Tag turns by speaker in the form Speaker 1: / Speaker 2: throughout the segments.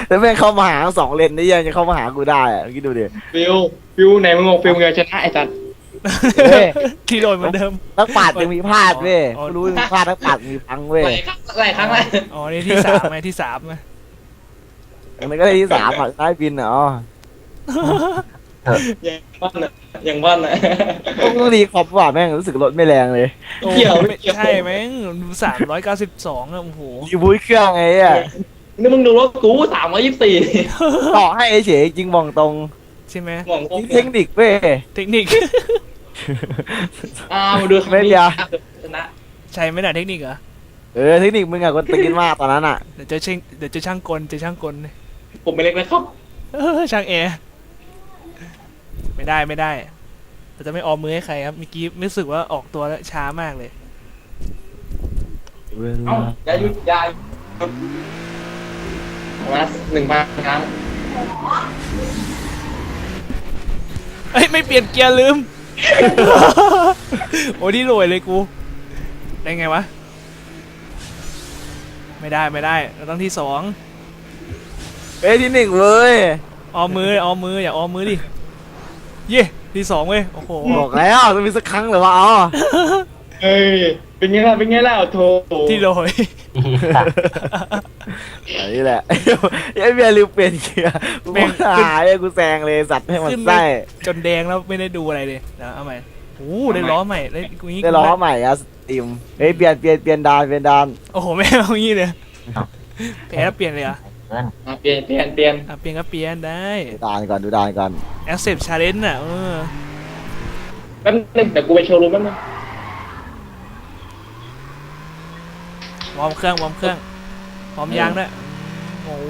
Speaker 1: แล้วแม่งเข้ามาหา2 เลนได้ยังจะเข้ามาหากูได้อะคิดดูดิ
Speaker 2: ฟิวไหนมึงงฟิวมึงจะชนะไอ้จัด
Speaker 1: เว้ย
Speaker 3: ที่โดนเหมือนเดิม
Speaker 1: นักปราชญ์ยังมีพลาดเว้ย
Speaker 3: อ๋อ
Speaker 1: รู้มีพลาดนักปราชญ์มีพังเว้ย
Speaker 2: หลายครั้งเลย
Speaker 3: อ๋อนี่ที่สามไหมที่สามไหม
Speaker 1: อันนี้ก็ได้ที่3อ่ะใต้บินอ่ะอ๋อ
Speaker 2: ยังบ้านนะ
Speaker 1: ต้องรีคอปว่ะแม่งรู้สึกรถไม่แรงเลย
Speaker 3: โอ้
Speaker 2: เกี่ยวไม่
Speaker 3: ไม่
Speaker 2: เกี่ยว
Speaker 3: ใช่ไหม392อะโอ้โห
Speaker 1: รีบูทเครื่องไงอ่ะ
Speaker 2: นี่มึงดูรถกู324
Speaker 1: ต่อให้เฉยจริงบอกตรง
Speaker 3: ใช่ไหม
Speaker 2: มอง
Speaker 1: นี่เทคนิคเว้ย
Speaker 3: เทคนิค
Speaker 2: มาดู
Speaker 1: ไม่เดียว
Speaker 2: ชนะ
Speaker 3: ใช่ไหมน่ะเทคนิคเหรอ
Speaker 1: เทคนิคมึงอะคนตีนมากตอนนั้นอ่ะ
Speaker 3: เดี๋ยวเจอช่างกล
Speaker 2: ผมไม่เล็กนะครับ
Speaker 3: ช่างแอร์ไม่ได้เราจะไม่ออมมือให้ใครครับเมื่อกี้รู้สึกว่าออกตัวแล้วช้ามากเลย
Speaker 2: เอ้าอย่าหยุดมา1,000 ครั้ง
Speaker 3: เอ้ยไม่เปลี่ยนเกียร์ลืม โอ้ที่รวยเลยกูได้ไงวะไม่ได้เราต้องที่2
Speaker 1: ที่1เว้ย
Speaker 3: ออมมืออย่าออมมือดิเย่ที่2เว้ยโอ้โห
Speaker 1: บอกแล้วจะมีสักครั้งเหรือวะอ๋อ
Speaker 2: เฮ้ยเป็นไงล่ะโถ
Speaker 3: ที่โรย
Speaker 1: อันนี้แหละไอ้เบียร์ลืมเปลี่ยนเกียร์กูหายกูแซงเลยสัตว์ให้มันไส้
Speaker 3: จนแดงแล้วไม่ได้ดูอะไรเลยนะเอาใหม่โอ้ได้ล้อใหม่ได้กูงี้
Speaker 1: ได้ล้อใหม่อะสตรีมเปลี่ยนดาน
Speaker 3: โอ้โหแม่เอางี้เลยแพ้แล้วเปลี่ยนเลยเหรอ
Speaker 2: เปลี่ยน
Speaker 3: อ่ะเปลี่ยนก็เปลี่ยนได้
Speaker 1: ดูดานก่อน
Speaker 3: accept challenge น่ะ
Speaker 2: แป๊บนึงเดี๋ยวกูไปโชว์รูมแป๊บนึง
Speaker 3: วอร์มเครื่องพร้อมยางด้วยโอ้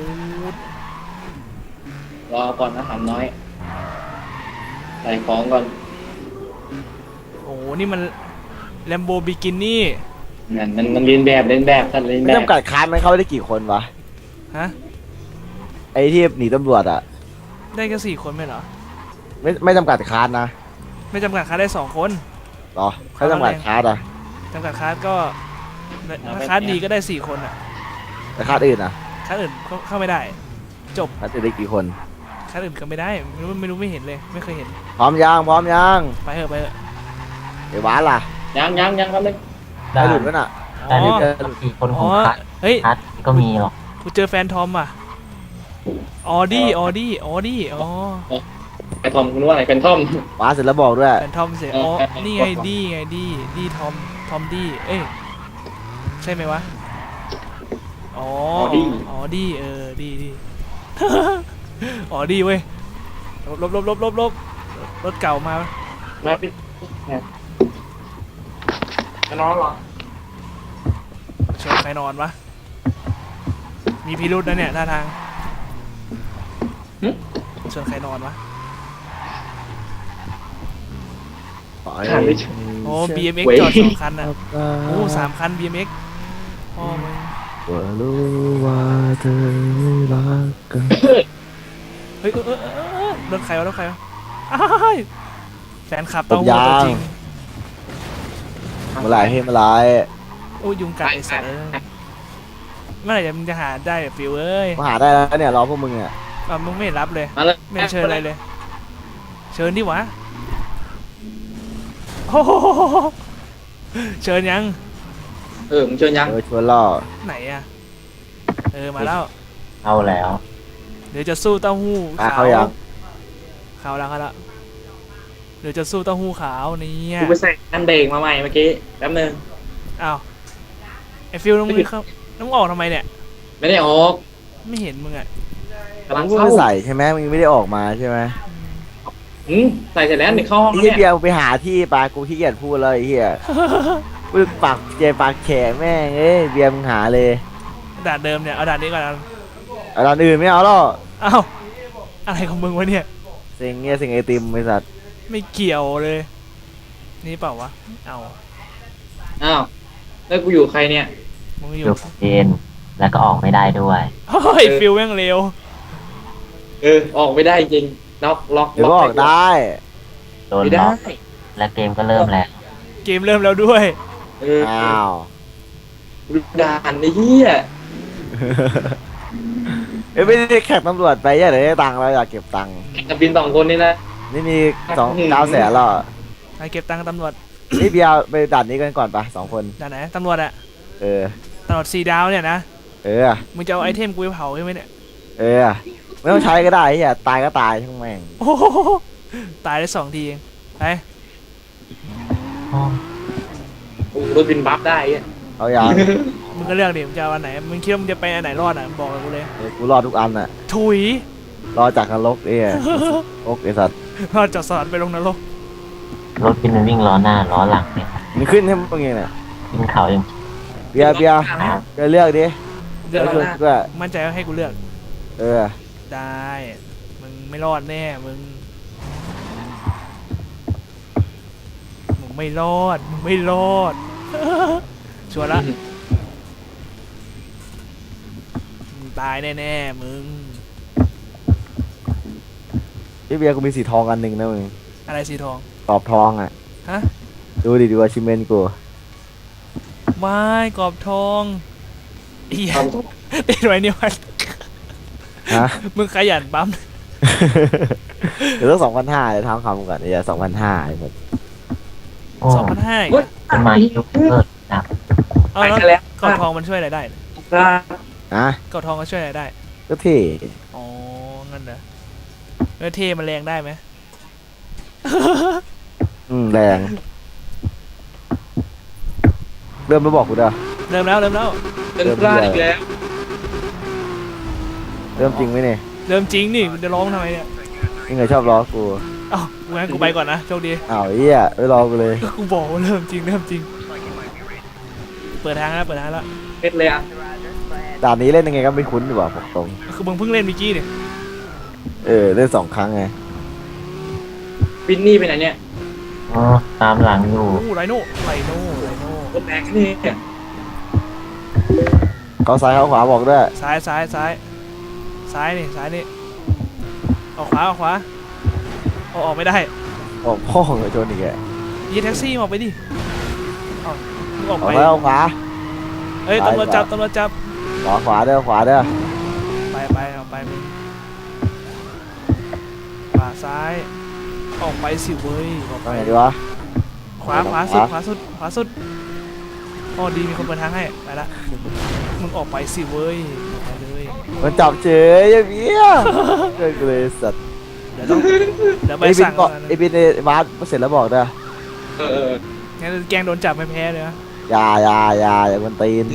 Speaker 2: รอก่อนนะหำน้อยใส่ของก่อน
Speaker 3: โหนี่มัน Lambo Bikini
Speaker 2: นั่นมันเรียนแบบท่านเรียน
Speaker 1: ไม่
Speaker 2: แบบ
Speaker 1: จำกัดคันมันเข้าได้กี่คนวะ
Speaker 3: ฮะ
Speaker 1: ไอ้ที่หนีตำรวจอะ
Speaker 3: ได้แค่4 คนไหมเหรอ
Speaker 1: ไม่จำกัดคันนะ
Speaker 3: ไม่จำกัดคาร์ดได้2 คน
Speaker 1: หรอเขาจำกัดคันอะ
Speaker 3: จำกัดคาร์ดก็ถ้าคาร์ดดีก็ได้4 คนอ่ะ
Speaker 1: แต่คันอื่นอะ
Speaker 3: คาร์ดอื่นเข้าไม่ได้
Speaker 1: คันอื่นได้กี่คน
Speaker 3: คาร์ดอื่นก็ไม่ได้ไม่รู้ไม่เห็นเลยไม่เคยเห็น
Speaker 1: พร้อมยัง
Speaker 3: ไปเถอะ
Speaker 1: ไอ้หวานล่ะ
Speaker 2: ยังแป๊บนึง
Speaker 1: ได้หลุดแล้วน่ะ
Speaker 3: อ๋อ
Speaker 4: มีคน
Speaker 3: อ๋
Speaker 4: ข
Speaker 3: อ
Speaker 4: องคัด
Speaker 3: เฮ้ย
Speaker 4: ก็มีหรอก
Speaker 3: กูเจอแฟนทอมอ่ะออดี้อ๋อ
Speaker 2: ไอ้ทอมคุณว่าอะไรเป็นทอม
Speaker 1: หวานเสร็จแล้วบอกด้วย
Speaker 3: แฟนทอมเสียอ๋อนี่ไงดีทอมดี้เอ้ยใช่ไหมวะอ๋อดีดี อ๋อดีเว้ยลบรถเก่ามา
Speaker 2: มาปิดจะนอนเหรอ
Speaker 3: ชวนใครนอนวะมีพิรุธนะเนี่ยท่าทางชวนใครนอนวะโอ้ BMX จอด2 คันอ่ะโอ้3 คัน BMX พ่อมึง
Speaker 1: ว่ารู้ว่าเธอไม่รักกัน
Speaker 3: เฮ้ยรถใครวะอ้ายแฟนคลับเต้าหู้ตัวจริง
Speaker 1: เมื่อไหร่ให้เมื่อไหร่
Speaker 3: โอ้ยุงกัดไอ้สัตว์เมื่อไหร่มึงจะหาได้ฟิวเอ้ย
Speaker 1: มาหาได้แล้วเนี่ยรอพวกมึงอ่ะ
Speaker 3: มึงไม่รับเลย
Speaker 2: มาเลย
Speaker 3: ไม่เชิญอะไรเลย เชิญดิวะโอ้โหเชิญยัง
Speaker 2: มึงเชิญยัง
Speaker 1: ชวนล่อ
Speaker 3: ไหนอะมาแล้ว
Speaker 4: เอาแล้ว
Speaker 3: เดี๋ยวจะสู้เต้าหู้ขาว
Speaker 1: เขายัง
Speaker 3: ขาวแล้วเดี๋ยวจะสู้เต้าหู้ขาวเนี่ย
Speaker 2: กูไปใส่อันเบรกมาใหม่เมื่อกี้แป๊บนึง
Speaker 3: อ้าวไอฟิวน้องมึงเข้าน้องออกทำไมเนี่ย
Speaker 2: ไม่ได้ออก
Speaker 3: ไม่เห็นมึงอะ
Speaker 2: กำลัง
Speaker 1: มึง
Speaker 2: เข้า
Speaker 1: ไม่ใส่ใช่ไหมมึงไม่ได้ออกมาใช่ไหม
Speaker 2: ใส่เสร็จแล้วเดี๋ยวเข้าห้อง
Speaker 1: ไอ้
Speaker 2: แล้ว
Speaker 1: เหี้ย
Speaker 2: เนี่ย
Speaker 1: เบียร์ไปหาที่ปากูขี้เกียจพูดเลยไอ้เหี้ยมึงปากแฉแม่งเบียร์มึงหาเลย
Speaker 3: ด่านเดิมเนี่ยเอาด่านนี้ก่อน
Speaker 1: เอาด้านอื่นไม่เอาหรอก
Speaker 3: อ้าวอะไรของมึงวะเนี่ย
Speaker 1: เซ็งเซ็งไอติมไอสัตว์
Speaker 3: ไม่เกี่ยวเลย นี่เปล่าวะเอา
Speaker 2: อ้าวแล้วกูอยู่ใครเนี่ย
Speaker 3: มึงอ
Speaker 4: อยู่ ยู่เย็นแล้วก็ออกไม่ได้ด้วย
Speaker 3: เฮ้ยฟิวแม่งเร็ว
Speaker 2: ออกไม่ได้จริงล็อก
Speaker 1: เดี๋ยวก็ออกได้
Speaker 4: โดน
Speaker 2: ไม่
Speaker 4: ล็
Speaker 2: ได้
Speaker 4: อกและเกมก็เริ่มแล้ว
Speaker 3: เกมเริ่มแล้วด้วย
Speaker 1: อ้าว
Speaker 2: ดูด่านไอ้เหี้ย
Speaker 1: ไอไม่ได้แข่งตำรวจไปอย่าได้ตังค์เราอยากเก็บตังค์
Speaker 2: จะบิน2 คนนี่นะ
Speaker 1: นี่มี900,000แล้ว
Speaker 3: ไปเก็บตังค์ตำรวจ
Speaker 1: นี่เบียร์ไปด่านนี้กันก่อนปะ2 คน
Speaker 3: ด่านไหนตำรวจอะ
Speaker 1: เออ
Speaker 3: ตำรวจ4 ดาวเนี่ยนะ
Speaker 1: เออ
Speaker 3: มึงจะเอาไอเทมกูไปเผาใช่ไหมเนี่ย
Speaker 1: เออไม่ต้องใช้ก็ได้เฮียตายก็ตายช่างแม่ง
Speaker 3: โอ้โหตายได้2 ทีเองไป
Speaker 4: อ๋อ
Speaker 2: โอ้รถบินบัฟได้อ่ะ
Speaker 1: เอาอย่าง
Speaker 3: มึงก็เลือกดิมึงจะเอาอันไหนมึงคิดว่ามึงจะไปอันไหนรอดอ่ะบอกกับกูเลย
Speaker 1: กูรอดทุกอันน่ะ
Speaker 3: ถุย
Speaker 1: รอจากนรกโอ๊กไอสัตว์
Speaker 3: รอดจากสวรรค์ไปลงนรก
Speaker 4: รถพี่มันวิ่งล้อหน้าล้อหลังเนี่ย
Speaker 1: มันขึ้นให้มึงไงเนี่ย
Speaker 4: ขึ้นเขายัง
Speaker 1: เบียร์เลือกดิ
Speaker 3: เลือก
Speaker 1: แล้วชวน
Speaker 3: นะ
Speaker 1: กูด้วย
Speaker 3: มั่นใจว่าให้กูเลือก
Speaker 1: เออ
Speaker 3: ได้ มึงไม่รอดแน่ มึงไม่รอด มึงไม่รอด ชัวร์ละมึงตายแน่ๆ มึง
Speaker 1: พี่เบียร์กูมีสีทองอันหนึ่งนะมึง
Speaker 3: อะไรสีทอง
Speaker 1: กรอบทองอ่ะ
Speaker 3: ฮะ
Speaker 1: ดูอาชิเมนกู
Speaker 3: ไม่กรอบทองเอียติดไว้นี่มัน
Speaker 1: ฮะ
Speaker 3: มึงขยันปั๊ม
Speaker 1: เดี๋ยวต้อง2,500เลยทำคำก่อนเนี่ย2,500ไอ้หมด
Speaker 4: โอ้
Speaker 3: 2,500อีก
Speaker 2: เฮ้ย
Speaker 3: อะ
Speaker 4: ทำไมยกเลิกนะ
Speaker 3: เอา
Speaker 2: ไป
Speaker 3: แล้ว
Speaker 2: ซะแล้ว
Speaker 3: กรอบทองมันช่วยอะไรได้
Speaker 1: นะ
Speaker 3: กรอบทองก็ช่วยอะไรได้
Speaker 1: ก็เท่
Speaker 3: อ๋อ งั้นเหรอแล้วเทมันแรงได้ไหม
Speaker 1: แรงเริ่มมาบอกกูเด้อ
Speaker 3: เริ่มแล้ว
Speaker 2: เป็นพลาดอีกแล้ว
Speaker 1: เริ่มจริงไหมเนี่ย
Speaker 3: เริ่มจริงนี่กูจะร้องทำไมเนี่ย
Speaker 1: นี่ไงชอบล้อกู
Speaker 3: อ้าวงั้นกูไปก่อนนะโชคดี
Speaker 1: อ้าวเหี้ยไม่รอกูเลย
Speaker 3: ก็กูบอกว่าเริ่มจริง เปิดทางแล้วเปิดทางแล้ว
Speaker 2: เป็นเลยอ่ะ
Speaker 1: ด่านนี้เล่นยังไงก็ไม่คุ้นดีกว่าบอกตรง
Speaker 3: คือมึงเพิ่งเล่นเมื่อกี้เนี่ย
Speaker 1: เล่น2 ครั้งไง
Speaker 2: บินนี่ไปไหนเนี่ย
Speaker 4: อ๋อตามหลังอยู่
Speaker 3: โอ้ไรโน่
Speaker 2: รถแรงนี่
Speaker 1: เขาซ้ายเขาขวาบอกด้วย
Speaker 3: ซ้ายนี่ออกขวาเอาออกไม่ได้
Speaker 1: ออกพ่อของไอ้โจนอีกแก
Speaker 3: ยีแท็กซี่ออกไปดิเอามึงออก
Speaker 1: ออ
Speaker 3: ไป
Speaker 1: กแล้วขวา
Speaker 3: เอ้ย
Speaker 1: ซ้าย
Speaker 3: ตำรวจจับ
Speaker 1: ขวาเด้อขวาเด้อ
Speaker 3: ไปเอาไปมึงขวาซ้าย ออกไปสิเว้ยออก
Speaker 1: ไป
Speaker 3: ไป
Speaker 1: ไหนดีวะ
Speaker 3: ขวาสุดอ๋อดีมีคนเปิดทางให้ไปละมึงออกไปสิเว้ยออกไปเลย
Speaker 1: มันจับเฉยไอ้เบี้ยเลิกเลยสัตว์
Speaker 3: เดี๋ยวไป
Speaker 1: ไอ้บิน
Speaker 3: สั่ง
Speaker 1: เกาะไอ้บินในบาสเสร็จแล้วบอกเด้อ
Speaker 2: เออ
Speaker 3: งั้นแกงโดนจับไม่แพ้เลยนะ
Speaker 1: อย่ามันตีน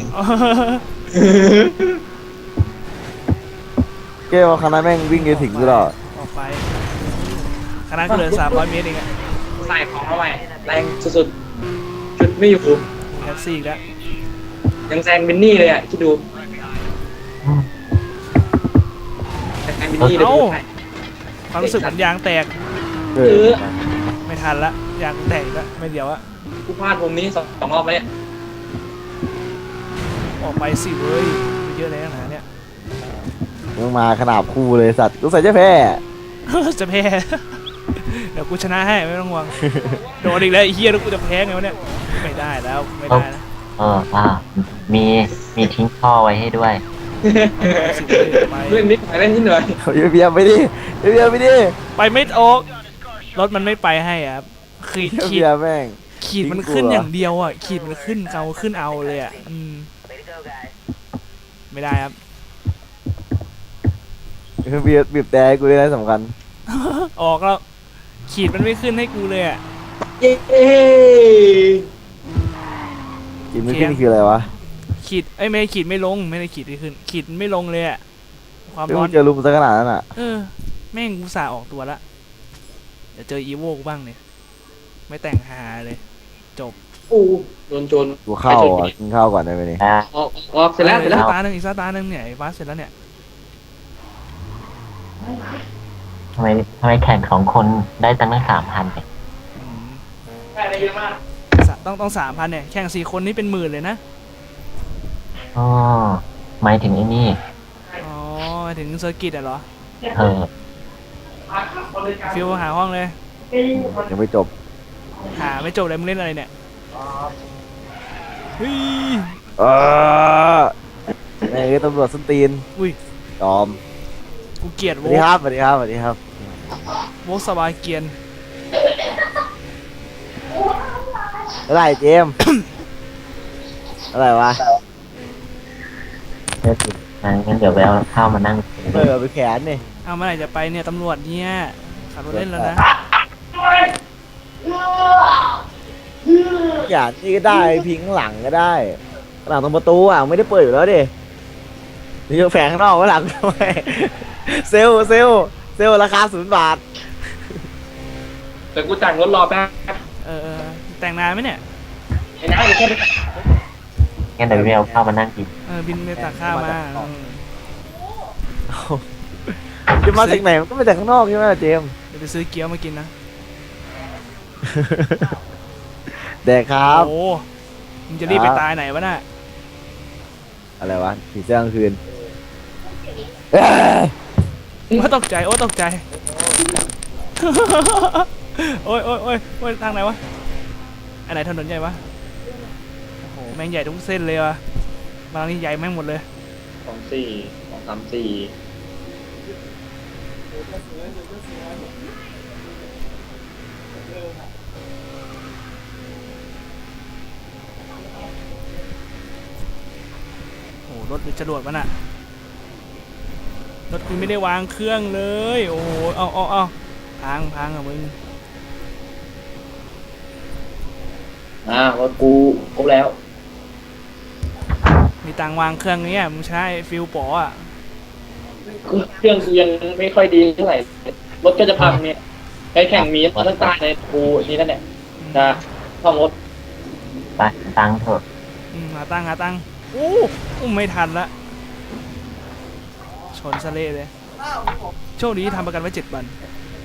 Speaker 1: เกว่าคณะแม่งวิ่งไปถึงกูหรอ
Speaker 3: ออกไปคณะก็เดิน300 เมตรเองอะ
Speaker 2: ใส่ของเข้าไปแรงสุดๆชุดไม่อยู่
Speaker 3: แท็กซี่อีกแล้ว
Speaker 2: ยังแซงบินนี่เลยอ่ะคิดดูแซงบินนี่เลย
Speaker 3: ความรู้สึกเหมือนยางแตก
Speaker 1: เอ
Speaker 2: เอ
Speaker 1: อ
Speaker 2: อ
Speaker 3: ไม่ทันละยางแตกแล้วไม่เดี๋ยวอะ
Speaker 2: กูพลาดมุมนี้2 รอบแล้วเนี่ย
Speaker 3: ออกไปสิเว้ยเยอะเลยนะเนี่ย
Speaker 1: มึงมาขนาบคู่เลยสัตว์รู้สึกจะแพ้
Speaker 3: จะแพ้ เดี๋ยวกูชนะให้ไม่ต้องห่วงโดนอีกแล้วไอ้เฮียแล้วกูจะแพ้ไงวะเนี่ยไม่ได้แล้วไม่ได้นะ
Speaker 4: มีทิ้งท่อไว้ให้ด้วย
Speaker 3: สิเว้ยไป
Speaker 2: เล่นนิดหน่อยเล่นนิดหน่อย
Speaker 1: เอาเบียร์ไปดิ
Speaker 3: ไปไม่ออกรถมันไม่ไปให้อะครับขีด
Speaker 1: เบียร์แม่ง
Speaker 3: ขีดมันขึ้นอย่างเดียวอ่ะขีดมันขึ้นเอาเลยอ่ะไม่ได้ครับ
Speaker 1: เบียร์บีบแต่ให้กูด้วยนะสำคัญ
Speaker 3: ออกแล้วขีดมันไม่ขึ้นให้กูเลยอ่ะ
Speaker 2: เย้
Speaker 1: กินไม่ขึ้นคืออะไรวะ
Speaker 3: ขีดไม่ได้ขีดไม่ลงไม่ได้ขีดไม่ขึ้นขีดไม่ลงเลยอ่ะความ
Speaker 1: เดี๋ยว
Speaker 3: ร้อ
Speaker 1: มึ
Speaker 3: น
Speaker 1: งเจอลุมซะขนาดนั้นอ่ะ
Speaker 3: แม่งกูสาออกตัวละเดี๋ยวเจออีโวกูบ้างเนี่ยไม่แต่งหาเลยจบ
Speaker 2: ปูโดนโจร
Speaker 1: กูเข้าอ่ะกินข้าวก่อนได้ไหมนี่
Speaker 2: ออกเสร็จแล้ว
Speaker 3: อีกตาหนึ่งเนี่ยไอ้ฟ้าเสร็จแล้วเนี่ย
Speaker 4: ทำไมแข่ง2 คนได้ตั้ง3,000เนี่ย
Speaker 3: อืม
Speaker 2: ได้เยอะมาก
Speaker 3: ต้อง3,000เนี่ยแข่ง4 คนนี่เป็นหมื่นเลยนะ
Speaker 4: อ๋อหมายถึงไอ้นี่
Speaker 3: อ๋อถึงเซอร์กิตอ่ะเหรอ
Speaker 4: เออ
Speaker 3: ฟิวหาห้องเลย
Speaker 1: ยังไม่จบ
Speaker 3: หาไม่จบเลยมึงเล่นอะไรเนี่ยเฮ้ย
Speaker 1: แม่งตำรวจส้นตีน
Speaker 3: อุ้ย
Speaker 1: ยอม
Speaker 3: กูเกลียด
Speaker 1: ส
Speaker 3: โว
Speaker 1: วัสดีครับสวัสดีครับสวัสดีครับ
Speaker 3: โวสบายเกรียน
Speaker 1: อะไรเจมส์ อะไรวะ
Speaker 4: เดี๋ยวสิงั้นเดี๋ยวไปเอาข้าวมานั่งกิน
Speaker 1: ไปแขนนี่
Speaker 3: เอาเมื่อไหร่จะไปเนี่ยตำรวจเนี่ยขับรถเล่นแล้วนะ
Speaker 1: แขนนี่ก็ได้พิงข้างหลังก็ได้ข้างหลังตรงประตูอ่ะไม่ได้เปิดอยู่แล้วดินี่จะแฝงข้างนอกข้างหลังทำไมเซลราคา0 บาท
Speaker 2: แต่กูแต่งรถรอแป๊บ
Speaker 3: แต่งนานไหมเนี่ย
Speaker 2: ไอ้น้าเดี๋ยวแค่ไป
Speaker 4: งั้นเดี๋ยวไปเอาข้าวมานั่งกิน
Speaker 3: บินไปตักข้าวมา
Speaker 1: จะมาจากไหนมันก็มาจากข้างนอกใช่ไหมเจมส์
Speaker 3: เดี๋ยวไปซื้อเกี๊ยวมากินนะ
Speaker 1: แดกครับ
Speaker 3: โอ้มึงจะรีบไปตายไหนวะน่ะ
Speaker 1: อะไรวะผีเสื้อกลางคืน
Speaker 3: ว่าตกใจโอ้ตกใจ โอ้ยทางไหนวะอันไหนถนนใหญ่วะโอ้โหแม่งใหญ่ทุกเส้นเลยวะบางนี่ใหญ่แม่งหมดเลย
Speaker 2: 234
Speaker 3: โอ้โหรถหรือจรวดวะน่ะรถกูไม่ได้วางเครื่องเลยโอ้โหเอาพังอ่ะมึง
Speaker 2: รถกูครบแล้ว
Speaker 3: มีตังค์วางเครื่องเนี้ยมึงใช้ฟิลป๋ออ่ะ
Speaker 2: เครื่องกูยังไม่ค่อยดีเท่าไหร่รถก็จะพังเนี่ยไปแข่งมีมาตั้งใต้ในกูนี่นั่นแหละจะซ่อมรถ
Speaker 4: ไปตังค์เถอะ
Speaker 3: หาตังค์โอ้ไม่ทันละชนซะเละเลยโชคดีที่ทำประกันไว้7 วัน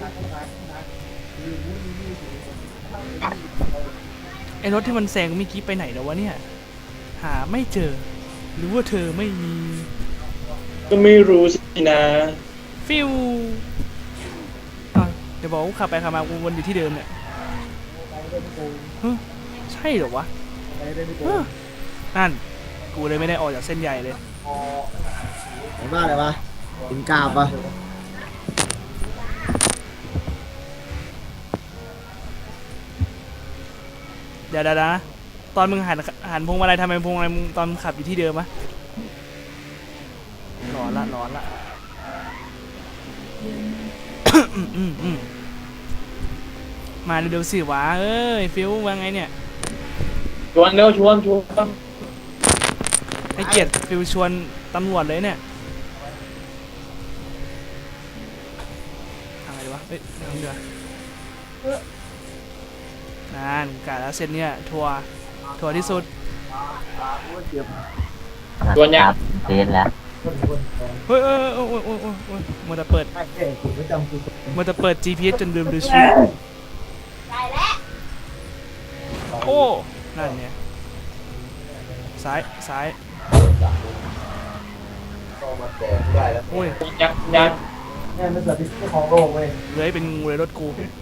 Speaker 3: ไอ้รถที่มันแซงเมื่อกี้ไปไหนแล้ววะเนี่ยหาไม่เจอหรือว่าเธอไม่มี
Speaker 2: ก็ไม่รู้สินะ
Speaker 3: ฟิวเดี๋ยวบอกว่าขับไปขับมาวนอยู่ที่เดิมเนี่ยใช่เหรอวะนั่นกูเลยไม่ได้ออกจากเส้นใหญ่เลย
Speaker 1: ไหนบ้าเลยวะกินกาบปะ
Speaker 3: เดี๋ยวนะตอนมึงหันพวงมาลัยทำไมพวงมาลัยมึงตอนมึงขับอยู่ที่เดิมวะร้อนละ มาเร็วๆสิวะเอ้ยฟิวว่าไงเนี่ย
Speaker 2: ชวนเร็วชวน
Speaker 3: ให้เกียรติฟิวชวนตำรวจเลยเนี่ยทางไหนดีวะเอ้ยทางเดือนกะแล้วเส้นเนี่ยทัวร์ที่สุด
Speaker 2: ชวนยัง
Speaker 4: ครับเดนแล้ว
Speaker 3: เฮ้ยมัวแต่เปิด GPS จนลืมดูชีวิตโอ้นั่นเนี่ยซ้ายโอ้ย
Speaker 2: ยัง
Speaker 3: เลื้อยเป็นงูเลยรถกู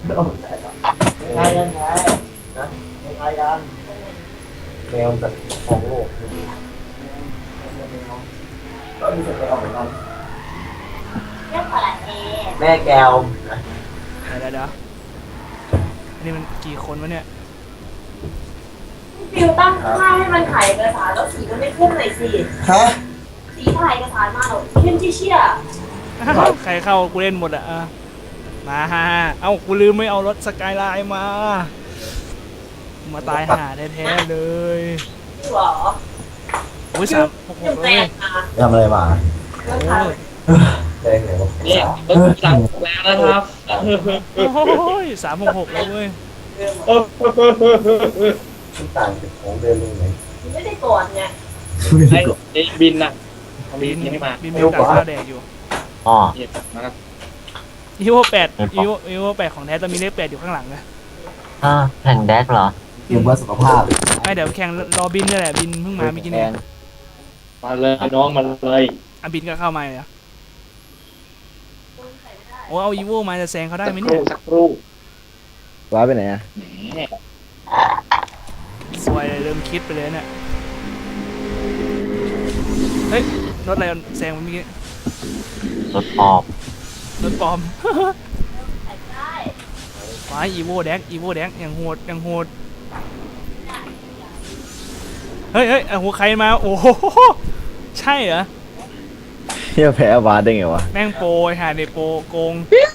Speaker 1: แม่แก้ว
Speaker 3: เดี๋ยวอันนี้มันกี่คนวะเนี่ย
Speaker 5: ฟิวตั้งค่าให้มันถ่ายเอกสารแล้วสีมันไม่ขึ้นหน่อยสิ
Speaker 1: ฮะ
Speaker 5: สีถ่ายเอกสารมาหรอขึ้นที่เชี่ย
Speaker 3: ใครเข้ากูเล่นหมดอ่ะมาเอ้ากูลืมไม่เอารถสกายไลน์มาตายห่าแท้ๆเลย
Speaker 5: หรอ
Speaker 3: โอ้ย366
Speaker 5: แป
Speaker 3: เลย
Speaker 5: ลกมา
Speaker 1: ทำอะไรมา
Speaker 5: แล้วถ่าย
Speaker 1: แดงไหนวะ
Speaker 2: เนี่ยรถสั่งแล้วนะครับ
Speaker 3: โอ้ย366แล้วเว้ย
Speaker 1: ต่างจากของเดิมตรงไหน
Speaker 5: ไม่ได้ก่อนไง
Speaker 2: ไอ้บินน่ะบิ
Speaker 3: บิ
Speaker 2: นยังไม่มา
Speaker 3: นมีโอกาสข้าวแดกอยู่
Speaker 4: อ๋อ
Speaker 2: เนี่ยมาครับ
Speaker 3: อีโว8ของแท้จะมีเลข8อยู่ข้างหลังนะ
Speaker 4: แข่งแดกเหรอ
Speaker 1: อยู่เพื่อสุขภาพ
Speaker 3: ไม่เดี๋ยวแข่งรอบินนี่แหละบินเพิ่งมาเมื่อกี้เนี่ย
Speaker 2: มาเลยน้องมาเลย
Speaker 3: บินก็เข้ามาเลยอะโอ้เอาอีโวมาจะแซงเขาได้
Speaker 2: สัก
Speaker 3: ไหม
Speaker 2: ค
Speaker 3: เนี่
Speaker 2: รู่
Speaker 3: ย
Speaker 2: สักครู่
Speaker 1: ว้าไปไหนอ่ะ
Speaker 2: แหม
Speaker 3: สวยเลยเริ่มคิดไปเลยเนี่ยเฮ้ยรถอะไรแซงเมื่อกี้
Speaker 4: รถออก
Speaker 3: โรถปลอม
Speaker 5: ได้
Speaker 3: ไปอีโวแดงอย่างโหดอย่างโหดเฮ้ยเอาหัวใครมาโอ้โหใช่เหรอ
Speaker 1: เฮียแพ้บาสได้ไงวะ
Speaker 3: แม่งโปรไอ้ห่าเนโปรโกง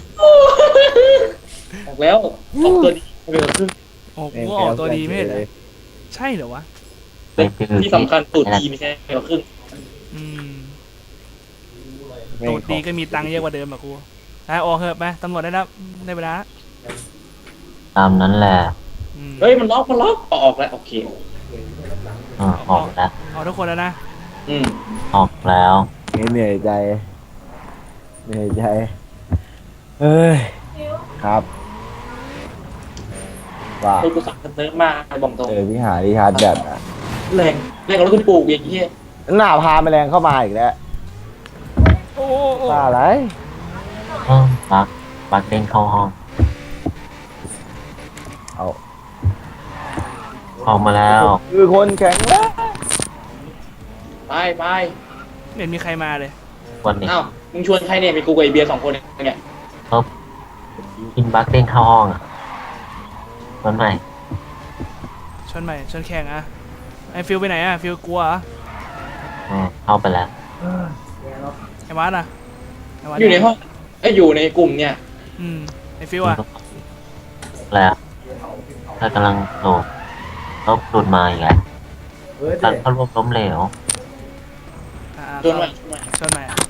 Speaker 2: ออกแล้วออกตัวดีไปกว่าครึ่ง
Speaker 3: โอ้กูออกตัวดีไม่ใช่เหรอใช่เหรอวะ
Speaker 4: เป็นคือ
Speaker 2: ที่สำคัญตูดดีไม่ใช่ไปกว่าครึ่ง
Speaker 3: อืม
Speaker 1: แม่ง
Speaker 3: ตูดดีก็มีตังค์เยอะกว่าเดิมอะกูออกเถอะไปตำรวจได้แล้วได้เวลา
Speaker 4: ตามนั้นแหละ
Speaker 3: อืม
Speaker 2: เฮ้ยมันล็อกออกแล้วโอเค
Speaker 4: ออกแล้ว
Speaker 3: เอาทุกคนแล้วนะ
Speaker 2: อืม
Speaker 4: ออกแล้ว
Speaker 1: เหนื่อยใจเหนื่อยใจเอ้ยครับว่า
Speaker 2: โดยกูสั่งเนิร์ฟมากบอกตรง
Speaker 1: พี่หาที่ชาร์จแบตอ่ะ
Speaker 2: แรงกับรถคุณปลูกอย่างเงี้ย
Speaker 1: หน้าพาแมลงเข้ามาอีกแล้ว
Speaker 3: โอ้
Speaker 1: ว่าอะไร
Speaker 4: บักเด้งเข้าห้อง
Speaker 1: เอา
Speaker 4: ออกมาแล้ว
Speaker 1: คือคนแข็งแรง
Speaker 2: ไป
Speaker 3: ไม่เห็นมีใครมาเลย
Speaker 4: วันนี้
Speaker 2: อ้าวมึงชวนใครเนี่ยมีกูกับไอเบียร์2 คนเนี่ย
Speaker 4: กินบักเด้งเข้าห้องอ่ะวันใหม่
Speaker 3: ชนใหม่ชนแข่งอะไอฟิลไปไหนอะฟิลกลัวเหรอ
Speaker 4: เข้าไปแล้ว
Speaker 3: ไอวัดอะไอวัด
Speaker 2: อยู่ในห้องอยู่ในกลุ่มเนี่ย
Speaker 3: ไอฟิลอะ
Speaker 4: แล้วถ้ากำลังโหลดลบหลุดมาอีกแล้วการเข้าร่วมล้มเหลว
Speaker 2: ชวนมา
Speaker 3: ชนใหม่อะ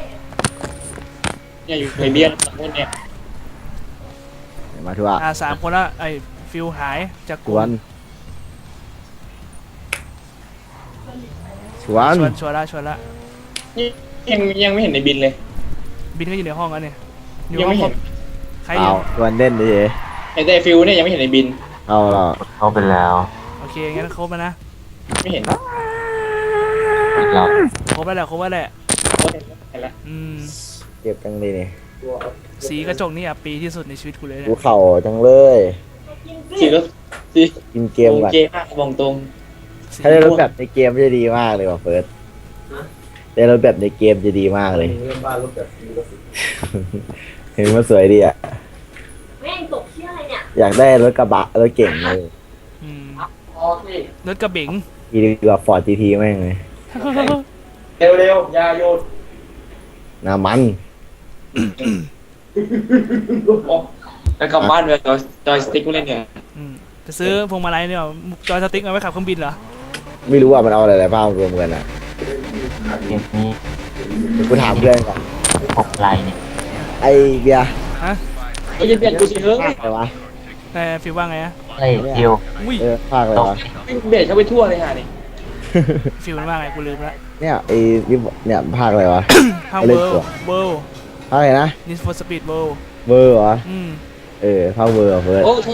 Speaker 2: เนี่ยอยู่ไอเบียร์2 คนเนี่ย
Speaker 1: มาทัวร์
Speaker 3: 3 คนแล้วไอฟิลหายจาก
Speaker 1: ช
Speaker 3: กลุ่
Speaker 1: ว
Speaker 3: ม
Speaker 1: นชวน
Speaker 3: ชวนละ
Speaker 2: ยังไม่เห็นในบินเลย
Speaker 3: บินก็อยู่ในห้องแล้วเนี่ยอยู่
Speaker 2: ยัง
Speaker 3: ห้อ
Speaker 2: ไม่
Speaker 3: ง
Speaker 2: เห็น
Speaker 3: ใครอ
Speaker 1: เอา
Speaker 3: ยู่
Speaker 1: ชวนเล่นดิ
Speaker 2: ไอแต่ฟิลเนี่ยยังไม่เห็นในบิน
Speaker 1: เอาเหรอ
Speaker 4: เข้าไปแล้ว
Speaker 3: โอเคงั้นครบแล้วนะ
Speaker 2: ไม่เห็น
Speaker 4: เรา
Speaker 3: ครบแล้วแหละ
Speaker 2: เห็นแล้ว
Speaker 1: เก็บจังเลยนี่
Speaker 3: สีกระจกนี่อ่ะปีที่สุดในชีวิตกูเลย
Speaker 1: กู
Speaker 3: เนี่ย
Speaker 1: เข่าจังเลย
Speaker 2: สีก็สี
Speaker 1: กินเกมก่อน
Speaker 2: เกมมากบอกตรง
Speaker 1: ถ้าได้รถแบบในเกมจะดีมากเลยว่ะเฟิร์สได้รถแบบในเกมจะดีมากเลยเห็นมันสวยดีอ่ะ
Speaker 5: แม่งตกเชี่ยอะไรเนี่ย
Speaker 1: อยากได้รถกระบะรถเก่งเลย
Speaker 3: อืม
Speaker 2: อ๋อสิ
Speaker 3: รถกระเบง
Speaker 1: ดีกว่าฟอร์ดจีทีแม่งเลย
Speaker 2: เร็วๆยาโยน
Speaker 1: น้ำมัน
Speaker 2: แล้วกลับบ้านเลยจอยสติ๊กกูเล่นเนี่ย
Speaker 3: จะซื้อพวงมาลัยเนี่ยจอยสติ๊กเอาไว้ขับเครื่องบินเหรอ
Speaker 1: ไม่รู้ว่ามันเอาอะไรๆบ้างรวมกันอ่ะ
Speaker 4: เกมนี้
Speaker 1: เดี๋ยวกูถามเพื่อนก่อน
Speaker 4: 6 ลายเนี่ย
Speaker 1: ไอ้เบียร์
Speaker 3: ฮะ
Speaker 2: เฮ้ยเบียดกูสิเฮ้ย
Speaker 1: ภาคอะไรวะ
Speaker 3: แต่ฟิลว่าไงอะ
Speaker 4: เฮ้ยฟิว
Speaker 3: อุ้ย
Speaker 1: ภาคอะไรวะ
Speaker 2: เบียดเข้าไปทั่วเลยฮะนี่
Speaker 3: ฟิลมันว่าไงกูลืมละ
Speaker 1: เนี่ยไอ้เนี่ยภาคอะไรวะ
Speaker 3: ห้าง
Speaker 1: เล่
Speaker 3: เวิ
Speaker 1: น
Speaker 3: ล
Speaker 1: ตัว
Speaker 3: เวิล
Speaker 1: ภาคอะไรนะ
Speaker 3: นิสฟอร์สปีดเวิล
Speaker 1: เวอร์เหรอ ภาคเวอร์เหรอเฟิร์ส
Speaker 2: โอ้ชน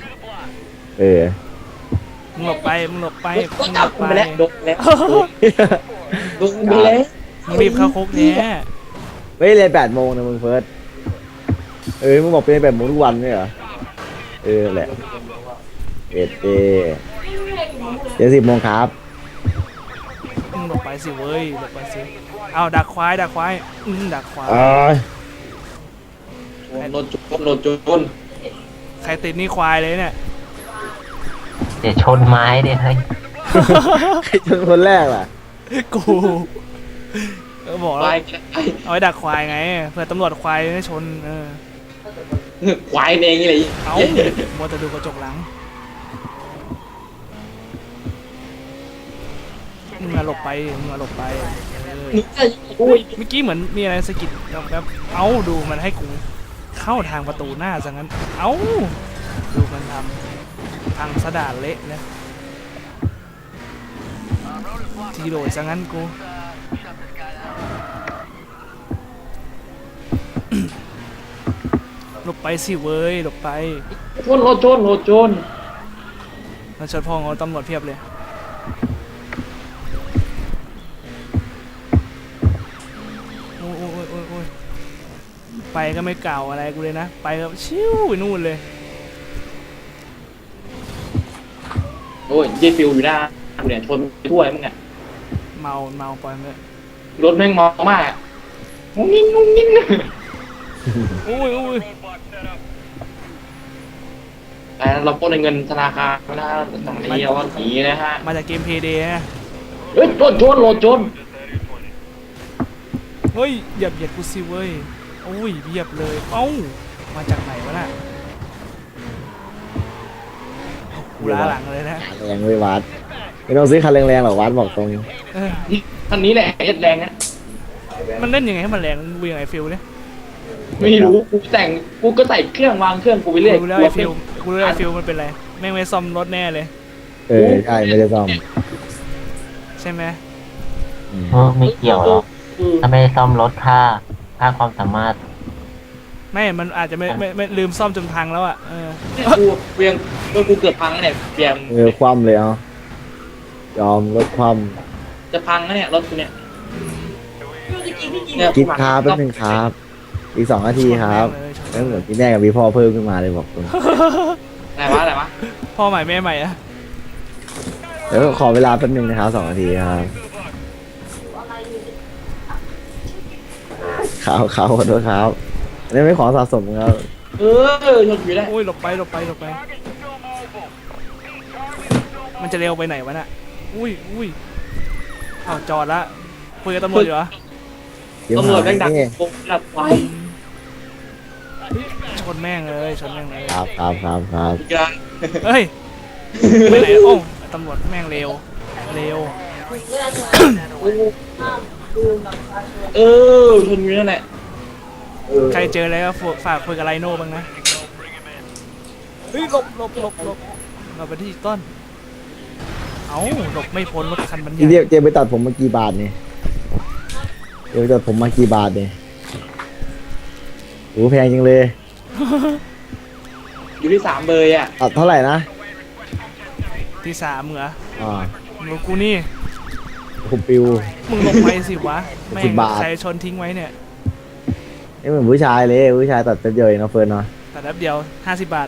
Speaker 3: มึงหลบไปมึงหลบไป
Speaker 2: ก็
Speaker 3: มึงห
Speaker 2: จั
Speaker 3: ล
Speaker 2: บบ
Speaker 3: ไป
Speaker 2: ไปแล้วโดนแล้วโดนไปแล้ว
Speaker 3: มึงรีบเข้าคุกแน่
Speaker 1: ไม่เรียน8 โมงนะมึงเฟิร์สมึงบอกเป็น8 โมงทุกวันไม่เหรอแหละเดี๋ยว10 โมงครับ
Speaker 3: มึงหลบไปสิเว้ยหลบไปสิเอาดักควายดักควายดักควาย
Speaker 2: โดนจุน
Speaker 3: ใครติดนี่ควายเลยเนี่ย
Speaker 4: เดี๋ยวชนไม้เดี๋ยวเฮ้ย
Speaker 1: ใครชนคนแรกล่ะ
Speaker 3: กูบอก
Speaker 2: ไป
Speaker 3: แล้วเอาไว้ดักควายไงเผื่อตำรวจควายไม่ชน
Speaker 2: ควายเองนี่เลย
Speaker 3: เอามัวแต่ดูกระจกหลังมึงมาหลบไปมึงมาหลบไป
Speaker 2: นึกจะอุ้ย
Speaker 3: เมื่อกี้เหมือนมีอะไรสะกิดแบบเอาดูมันให้กูเข้าทางประตูหน้าซะงั้นเอาดูมันทำพังสะดานเละนะทีโดดซะงั้นกู หลบไปสิเว้ยหลบไป
Speaker 2: ชนรถชน
Speaker 3: มันชนพ่อเขาตำรวจเพียบเลยโอ้ยไปก็ไม่เก่าอะไรกูเลยนะไปก็ชิวไปนู่นเลย
Speaker 2: โอ้ยเจฟิวอยู่หน้ากูเนี่ยชนไปทั่วมึงอ่ะ
Speaker 3: เมาปล่อยมันเลย
Speaker 2: รถแม่งเมามากงุ้งงิ้ง
Speaker 3: อุ้ยอุ้ย
Speaker 2: แต่เราปล้นเงินธนาคารนะตรงนี้เราหนีนะฮะ
Speaker 3: มาจากเกมเพย์เดย์นะ
Speaker 2: เฮ้ยโจน
Speaker 3: เฮ้ยเหยียบกูสิเว้ยโอ้ยเหยียบเลยเอ้ามาจากไหนวะน่ะกูล้าหลังเลยนะ
Speaker 1: แรงเลยวัดไม่ต้องซื้อคันแรงๆหรอกวัดบอกตรง
Speaker 3: เออ
Speaker 2: คันนี้แหละเอ็ดแรงนะ
Speaker 3: มันเล่นยังไงให้มันแรงมึงยังไงฟิลเนี่ย
Speaker 2: ไม่รู้กูก็ใส่เครื่องวางเครื่องกูไปเรื่อย
Speaker 3: กูรู้แล้วไอ้ฟิลกูรู้แล้วไอ้ฟิลมันเป็นไรแม่งไม่ซ่อมรถแน่เลย
Speaker 1: ใช่ไม่ได้ซ่อม
Speaker 3: ใช่ไหม
Speaker 4: ไม่เกี่ยวหรอกถ้าไม่ซ่อมรถค่าความสามารถ
Speaker 3: ไม่มันอาจจะไม่ลืมซ่อมจนพังแล้วอ่ะเออ
Speaker 2: กูเพียงกูเกือบพังแล้วเนี่ยเพียง
Speaker 1: คว่ำเลยเอายอมรถคว่
Speaker 2: จะพังแล้วเนี่ยรถกูเนี่ย
Speaker 1: ำคิดครับแป๊บนึงครับ อีก2 นาทีครับแล้วเหมือนพี่แม่กับพี่พ่อเพิ่มขึ้นมาเลยบอกตรง
Speaker 2: อะไรวะ
Speaker 3: พ่อใหม่แม่ใหม่อะ
Speaker 1: เดี๋ยวขอเวลาแป๊บนึงนะครับ2 นาทีครับขอโทษครับอันนี้ไม่ขอสะสมครับ
Speaker 2: ชนอยู่ได้
Speaker 3: โอ้ยหลบไปมันจะเร็วไปไหนวะน่ะอุ้ยอ้าวจอดละคุยกับตำรวจอยู่เหรอ
Speaker 2: ตำรวจแม่งดักโกงดักไฟ
Speaker 3: ชนแม่งเลยชนแม่งเลย
Speaker 1: ครับ
Speaker 2: อีกแล้ว
Speaker 3: เฮ้ยไปไหนโอ้ตำรวจแม่งเร็ว
Speaker 2: ชนอยู่นั่นแหละ
Speaker 3: ใครเจออะไรก็ฝากคุยกับไลโน่บ้างนะเฮ้ยหลบเราไปที่ต้นเอ้าหลบไม่พ้นรถคันบรร
Speaker 1: พี่
Speaker 3: ยาย
Speaker 1: เจมไปตัดผมมากี่บาทเนี่ยเจมไปตัดผมมากี่บาทเนี่ยโอ้แพงจริงเลย
Speaker 2: อยู่ที่3 เบอร์อ่ะ
Speaker 1: ตัดเท่าไหร่นะ
Speaker 3: ที่3เหรอ
Speaker 1: อ่า
Speaker 3: มึงกูนี่
Speaker 1: คุณปิว
Speaker 3: มึงหลบไปสิวะแม่ง
Speaker 1: 10 บาท
Speaker 3: ใครชนทิ้งไว้เนี่ย
Speaker 1: นี่เหมือนผู้ชายเลยผู้ชายตัดเป็นเดียวเองเนาะเฟิร์นเนาะ
Speaker 3: แต่แป๊บเดียว50 บาท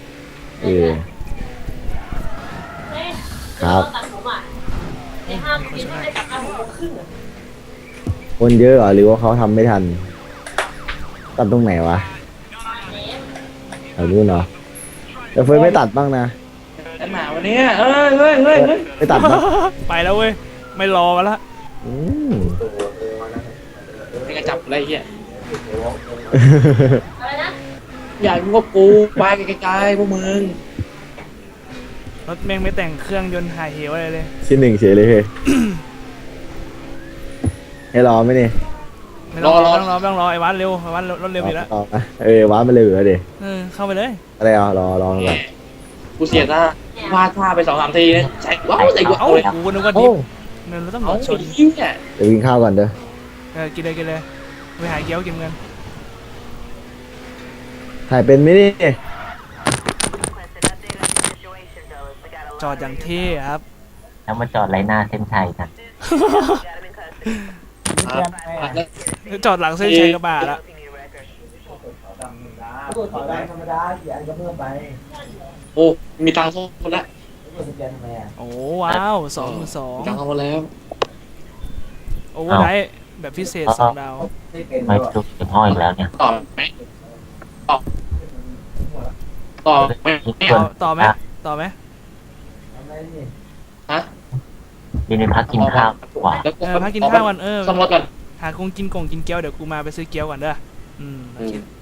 Speaker 1: ครับ
Speaker 5: ตัดผมอ่ะในห้างกินไม่ได้ตัดผมโมงครึ่งอ่ะ
Speaker 1: คนเยอะเหรอหรือว่าเขาทำไม่ทัน ตัดตรงไหนวะแถวนู้นเนาะแต่เฟิร์นไม่ตัดบ้างนะ
Speaker 2: อันหนาวันนี้เฮ้ย
Speaker 1: ไม่ตัดบ้าง
Speaker 3: ไปแล้วเว้ยไม่รอมาละ
Speaker 1: อืม
Speaker 2: เป็นกระจับอะไรเงี้ย
Speaker 5: อะไรนะ
Speaker 2: อยากมึงก็กูไปไกลๆพวกมึง
Speaker 3: รถแม่งไม่แต่งเครื่องยนต์หายเหวอะไรเลย
Speaker 1: ชิ้น 1เฉยเลยเฮ้ย ให้รอไหมนี่
Speaker 3: ไม่ต้องรอไอ้วัดเร็วไอ้วัดรถเร็วอยู่แล้ว
Speaker 1: รอนะว้ามันเลยเหรอเดี๋ย
Speaker 3: เข้าไปเลย
Speaker 1: อะไรอ่ะรอก่อน
Speaker 2: กูเสียหน้าพลาดท่าไป2-3 ทีนะใส่กู
Speaker 3: เอ้า
Speaker 2: เอาเลย
Speaker 3: กูนึกว่าดิ
Speaker 1: โอ้
Speaker 3: ฟเราต้องร
Speaker 2: เอา
Speaker 3: อชน
Speaker 2: ชิ้นเนี่ย
Speaker 1: เดี๋ยวกินข้าวก่อนเด้อ
Speaker 3: กินเลยไปหาเกี๊ยวกินกัน
Speaker 1: ถ่ายเป็นไหมนี่
Speaker 3: จอดอย่างเท่ครับ
Speaker 4: แล้วมาจอดไรหน้าเส้นชัยกัน
Speaker 3: จอดหลังเส้นชัยกระบะละ
Speaker 2: โอ้มีตังค์ส่งแล้ว
Speaker 3: โอ้ว้าว2,200
Speaker 2: ตังค์เอาแล้ว
Speaker 3: โอ้ได้แบบพิเศษ2 ดาว
Speaker 4: ไม่จุกถึงห้ออีกแล้วเนี่ย
Speaker 2: ต่อไหมต่อไหม
Speaker 4: นี่ควร
Speaker 3: ต่อไหมต่อไหม
Speaker 2: ฮะ
Speaker 4: ยืนพักกินข้าวกว่า
Speaker 3: พักกินข้าวก่อน
Speaker 2: ซ่อมรถก่อน
Speaker 3: หาคงกินเกี๊ยวเดี๋ยวกูมาไปซื้อเกี๊ยวก่อนเด้อโอเค